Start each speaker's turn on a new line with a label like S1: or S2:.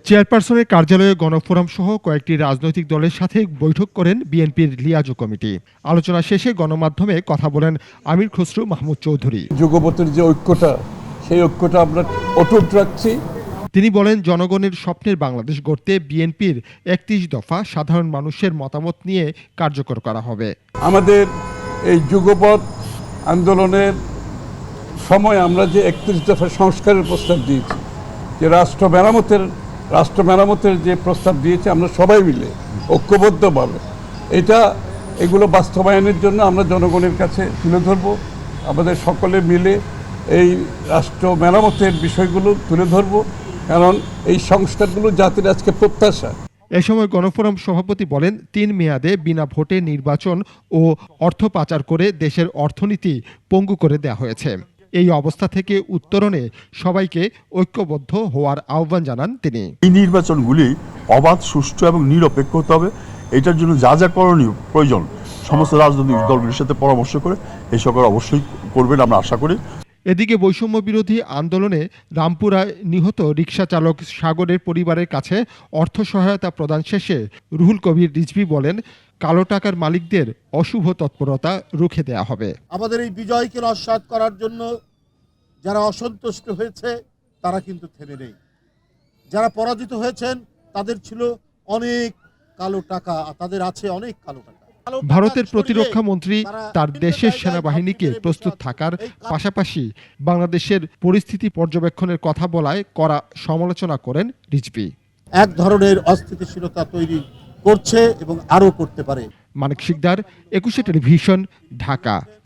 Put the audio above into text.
S1: চেয়ারপারসনের কার্যালয়ে গণফোরাম সহ কয়েকটি রাজনৈতিক দলের সাথে বৈঠক করেন বিএনপির লিয়াজো কমিটি। আলোচনা শেষে গণমাধ্যমে কথা বলেন আমির খসরু মাহমুদ চৌধুরী।
S2: যুগপথের যে ঐক্যটা, সেই ঐক্যটা আমরা অটুট রাখছি।
S1: তিনি বলেন, জনগণের স্বপ্নের বাংলাদেশ গড়তে বিএনপির ৩১ দফা সাধারণ মানুষের মতামত নিয়ে কার্যকর করা হবে।
S2: আমাদের এই যুগপথ আন্দোলনের সময় আমরা যে ৩১ দফা সংস্কারের প্রস্তাব দিয়েছি, যে রাষ্ট্র মেরামতের যে প্রস্তাব দিয়েছে, আমরা সবাই মিলে ঐক্যবদ্ধভাবে এগুলো বাস্তবায়নের জন্য আমরা জনগণের কাছে তুলে ধরব। আমাদের সকলে মিলে এই রাষ্ট্র মেরামতের বিষয়গুলো তুলে ধরব, কারণ এই সংস্কারগুলো জাতির আজকে প্রত্যাশা।
S1: এ সময় গণফোরাম সভাপতি বলেন, ৩ মেয়াদে বিনা ভোটে নির্বাচন ও অর্থ পাচার করে দেশের অর্থনীতি পঙ্গু করে দেওয়া হয়েছে। এই অবস্থা থেকে উত্তরণে সবাইকে ঐক্যবদ্ধ হওয়ার আহ্বান জানান তিনি।
S3: এই নির্বাচনগুলি অবাধ, সুষ্ঠু এবং নিরপেক্ষ হতে হবে। এটার জন্য যা যা করণীয় প্রয়োজন সমস্ত রাজনৈতিক দলগুলির সাথে পরামর্শ করে এই সরকার অবশ্যই করবেন, আমরা আশা করি।
S1: এদিকে বৈষম্য বিরোধী আন্দোলনে রামপুরায় নিহত রিকশা চালক সাগরের পরিবারের কাছে অর্থ সহায়তা প্রদান শেষে রুহুল কবির রিজভী বলেন, কালো টাকার মালিকদের অশুভ তৎপরতা রুখে দেয়া হবে।
S4: আমাদের এই বিজয়কে নস্যাৎ করার জন্য যারা অসন্তুষ্ট হয়েছে তারা কিন্তু থেমে নেই। যারা পরাজিত হয়েছেন তাদের ছিল অনেক কালো টাকা, তাদের আছে অনেক কালো টাকা।
S1: ভারতের প্রতিরক্ষা মন্ত্রী তার দেশের সেনাবাহিনীকে প্রস্তুত থাকার পাশাপাশি বাংলাদেশের পরিস্থিতি পর্যবেক্ষণের কথা বলায় কড়া সমালোচনা করেন রিজভী।
S4: এক ধরনের অস্থিতিশীলতা তৈরি করছে এবং আরও করতে পারে।
S1: মানিক শিকদার, ২১ টেলিভিশন, ঢাকা।